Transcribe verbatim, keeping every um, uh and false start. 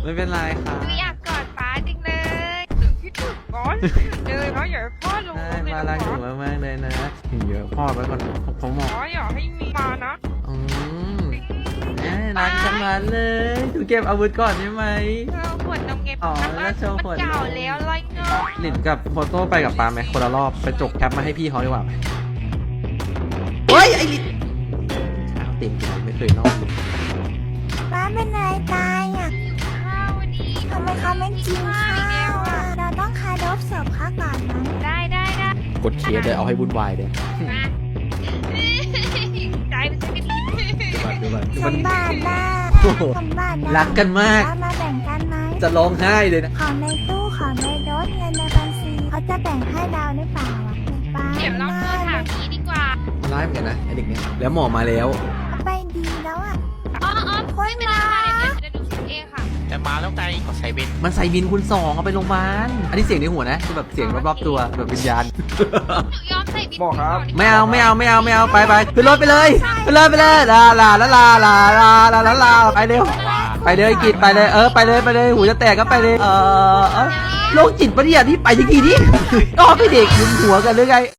ไม่เป็นไรครับหนูอยากกอดป้าจริงเลยคิดถึงก้อนเลยเพราะอยากให้พ่อรู้ใช่เลยมานะรักหนูมากๆเลยนะเดี๋ยวพ่อไปก่อนผมหมอขออย่าให้มีมานะอืมแม่รักจังเลยเลยดูเก็บอาวุธก่อนได้ไหมเธอขวดนมเก็บอ๋อน้ำแล้วโชว์ขวดนมเก่าแล้วไรเงาหลินกับโฟโต้ไปกับปาไหมคนละรอบไปจกแคปมาให้พี่เขาดีกว่าไหมเฮ้ยไอ้ลินเช้าเต็มที่ไม่เคยนอกเลยป้าเป็นอะไรตายอ่ะข้าวดีทำไมเขาไม่กินข้าวอ่ะเราต้องคารพศพเขาก่อนนะได้ได้ได้กดเคสเลยเอาให้วุ่นวายเลยมาใจเป็นสิ่งที่ดีดูก่อนดูสก่อนมบัตินะโอ้โหสมบัตินะรักกันมากป้ามาแบ่งกันไหมจะร้องไห้เลยนะของในตู้ของในรถเงินในบัญชีเขาจะแบ่งให้เราหรือเปล่าอ่ะป้าเดี๋ยวลองโทรถามนี้ดีกว่าร้ายเหมือนกันนะไอเด็กเนี้ยแล้วหมอมาแล้วเอาไปดีแล้วอ่ะอ๋ออ๋อไม่เป็นไรค่ะเดี๋ยวเดี๋ยวหนูคิดเองค่ะแต่มาแล้วไงก็ใส่เบนมันใส่บินคุณสองเอาไปโรงพยาบาลอันนี้เสียงในหัวนะคือแบบเสียงรอบๆตัวแบบวิญญาณหนูยอมใส่บินบอกครับไม่เอาไม่เอาไม่เอาไม่เอาไปไปขึ้นรถไปเลยไปเลยไปเลยลาลาลาลาลาลาลาลาลาไปเร็วไปเลยกิดไปเลยเออไปเลยไปเลยหูจะแตกก็ไปเลยเออเออโรคจิตปะเนี่ยที่ไปทีทีนี่ก็ไปเด็กหยุมหัวกันหรือไง